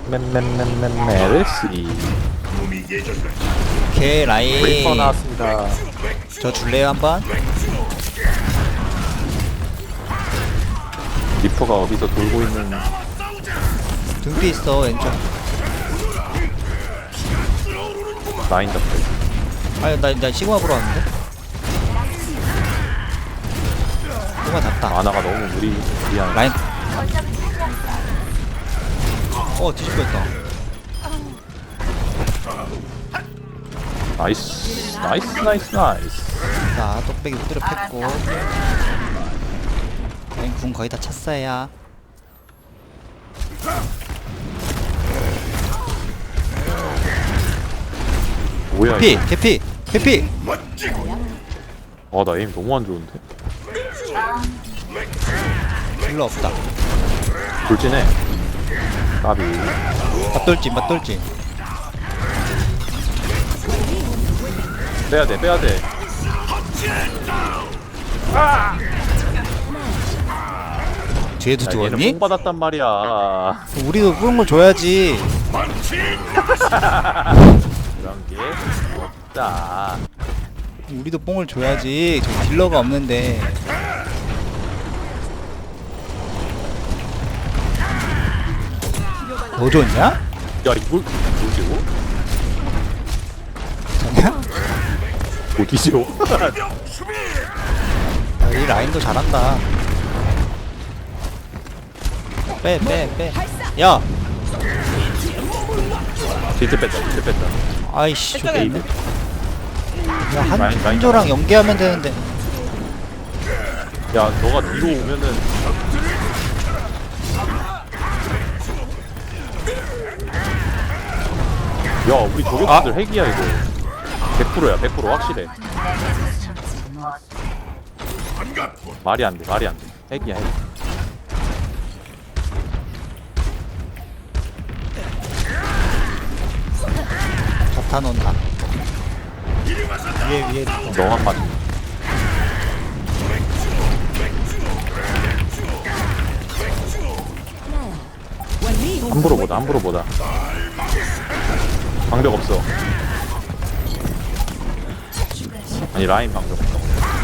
메르시. 오케이 리퍼 라인. 나왔습니다. 저 줄래요 한번? 리퍼가 어디서 돌고 있는. 등뒤 있어 왼쪽. 라인 잡고. 아니 나 시그마 보러 왔는데? 시그마 잡다. 아나가 너무 무리한. 라인. 뒤집어 했다. 나이스. 자 똑배기 후드려 팼고. 라인 궁 거의 다 찼어요. 뭐야 개피 이거. 개피. 나 에임 너무 안 좋은데. 딜러 없다. 돌진해. 까비. 맞돌진. 빼야돼. 뒤에도 얘는 두었니? 뽕 받았단 말이야. 우리도 그런 걸 줘야지. 그런 게 없다. 우리도 뽕을 줘야지. 저 딜러가 없는데. 뭐 줬냐? 야 이걸 뭐지? 자냐? 어디지요? 이 라인도 잘한다. 빼. 야, 비트 뺐다. 아이씨, 저게 게이드. 야, 라인. 한조랑 연계하면 되는데. 야 너가 뒤로 오면은. 야 우리 저격수들 핵이야 이거. 100%야 100% 확실해. 말이 안 돼. 핵이야 핵. 자탄 온다. 위에. 너만 맞. 함부로 보다. 방벽 없어. 아니 라인 방벽 없어.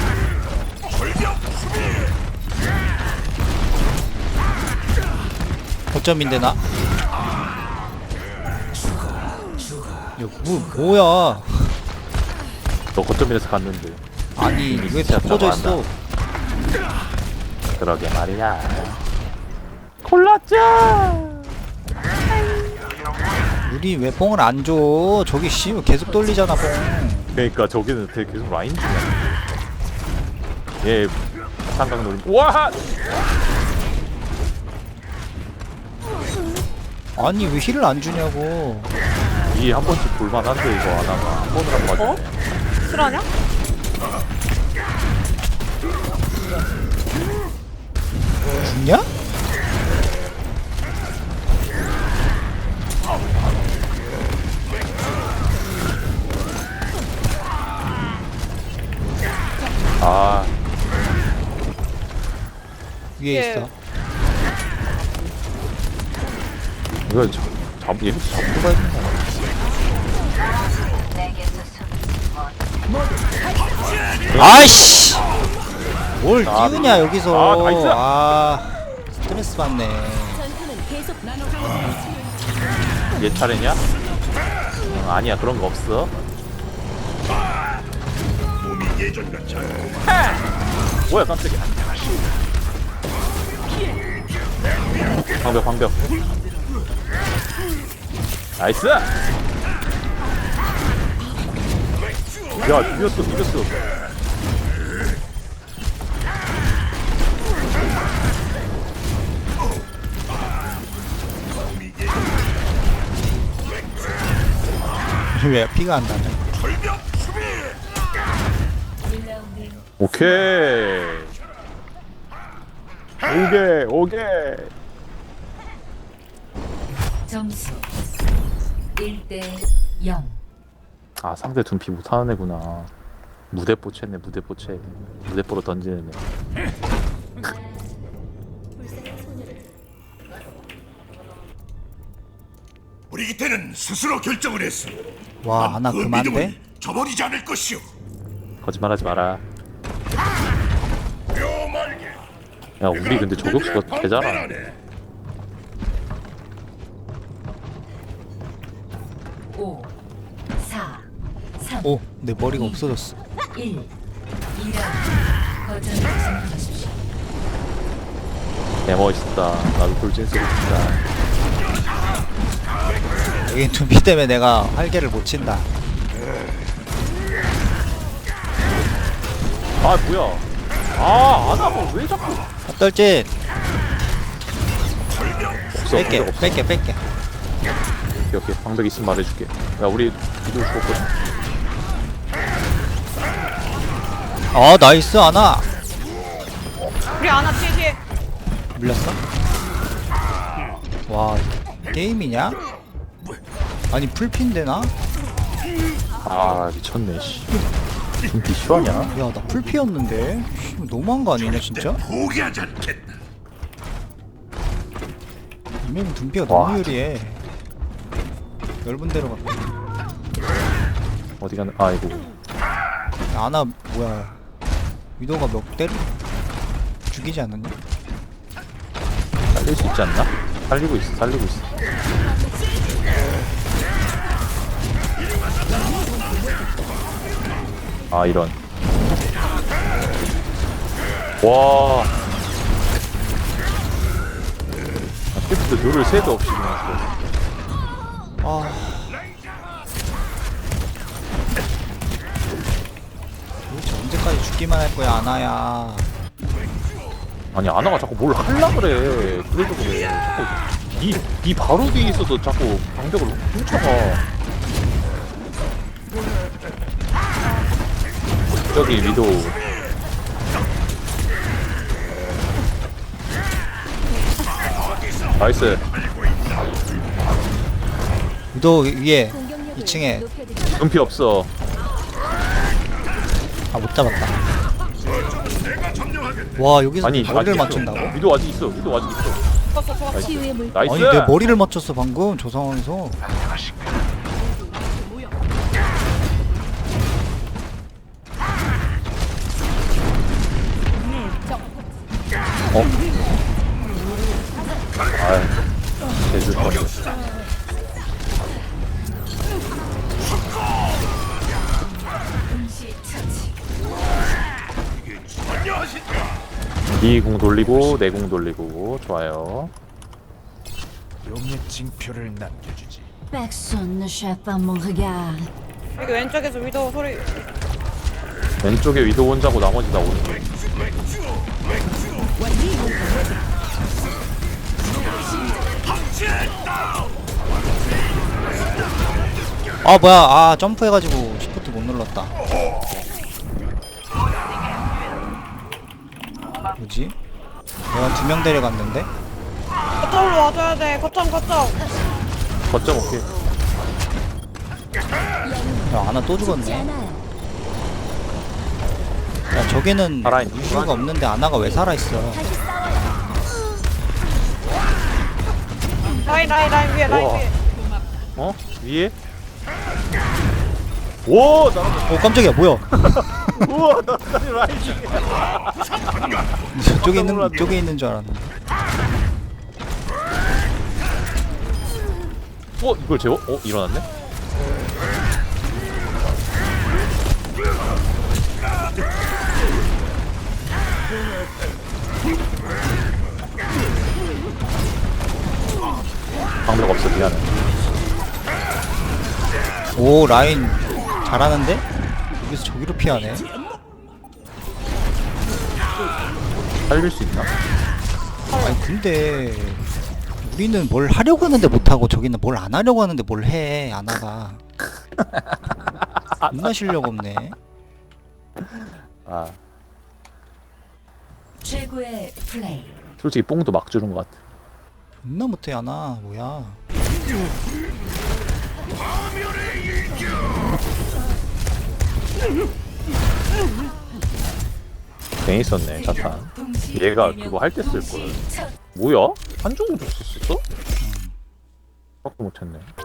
거점인데 나. 야, 뭐야? 너 거점에서 갔는데. 아니 왜 진짜 바꿔져 저거 있어? 그러게 말이야. 골랐죠. 우리 왜 뽕을 안 줘? 저기 씨 계속 돌리잖아 뽕. 그러니까 저기는 되게 계속 라인 중이야. 얘 삼각 노림. 와! 아니 왜 힐을 안 주냐고. 이 한 번씩 볼만한데 이거 안 하나 한 번을 한 번 맞네. 실화냐? 죽냐? 아 위에 예. 있어. 이거 얘 잡고 가야 되나? 아이씨. 뭘 아, 띄우냐 여기서. 아, 나이스. 스트레스 받네. 얘 차례냐? 아니야 그런 거 없어. 뭐야 깜짝이야. 방벽. 나이스. 야 비겼어. 왜 피가 안 나냐? 오케이. 점수 1대 0. 아 상대 둔피 못하는 애구나. 무대뽀 챘네. 무대뽀로 던지는 애. 브리기테는 스스로 결정을 했어. 와 난 아나 그 그만데? 믿음을 저버리지 않을 것이오. 거짓말하지 마라. 묘말게. 야 우리 근데 저격수가 개잘하. 5, 4, 3, 오 내 머리가 없어졌어 1. 2라운드. 거점을 점령하십시오. 개 멋있다. 나도 돌진 쓰고 싶다. 여기 둠피 때문에 내가 활개를 못 친다 아 뭐야? 아 아나가 왜 자꾸? 떨진 없어. 뺄게 방벽 없어. 뺄게 오케이 오케이. 방벽 있으면 말해줄게. 야 우리 이들 죽었거든. 아 나이스 아나 우리 아나 뒤에 밀렸어? 와 게임이냐? 아니 풀핀데 나? 아 미쳤네 씨. 준비 실화냐? 야 나 풀피였는데 씨, 너무한 거 아니냐 진짜? 포기하지 않겠다. 이면 둠피가 와. 너무 유리해 넓은 데로 갔다 어디 가는? 아이고. 아나 뭐야 위도가 몇 대를 죽이지 않았냐? 살릴 수 있지 않나? 살리고 있어. 살리고 있어. 아 이런. 와. 캐프트 누를 새도 없이 그냥 써. 아 도대체 언제까지 죽기만 할 거야 아나야 아니 아나가 자꾸 뭘 할라 그래. 그래서 그래. 자꾸 이 바로 뒤에 있어서 자꾸 방벽을 훔쳐가. 저기 위도. 나이스. 위도 위에 2층에 눈피 없어. 아 못 잡았다 와 여기서 아니 머리를 아직 있어. 맞춘다고? 위도 아직 있어. 위도 아직 있어. 죽었어 죽었어. 나이스. 아니 내 머리를 맞췄어 방금 저 상황에서 어? 아이, 제주 거. 니궁 돌리고 내 궁 돌리고 좋아요. 용의 징표를 남겨주지. Personne ne cherche pas mon regard. 여기 왼쪽에서 위도 소리. 왼쪽에 위도 혼자고 나머지 다 오른쪽. 아 뭐야 아 점프해가지고 시프트 못 눌렀다 뭐지? 내가 2명 데려갔는데? 거점으로 와줘야 돼. 거점. 거점 오케이. 야 아나 또 죽었네 야 저기는 살아있- 이슈가 없는데 아나가 왜 살아있어 라인 위에 라인 우와. 위에. 어? 위에? 오! 나랑 깜짝이야 뭐야 우와! 나 라인 중에. 저쪽에 있는 놀랐네. 이쪽에 있는 줄 알았는데 어? 이걸 재워? 어? 일어났네? 방벽 없어 미안해. 오 라인 잘하는데? 여기서 저기로 피하네 살릴 수 있나? 아니 근데 우리는 뭘 하려고 하는데 못하고 저기는 뭘 안 하려고 하는데 뭘 해 아나가 존나 실력 없네 아 최고의 플레이. 솔직히 뽕도 막 주는 것 같아. 존나 못해 아나 뭐야 괜히 썼네 자탄. 얘가 그거 할 때 쓸걸. 뭐야? 한쪽으로 줬었어? 생각도 못했네.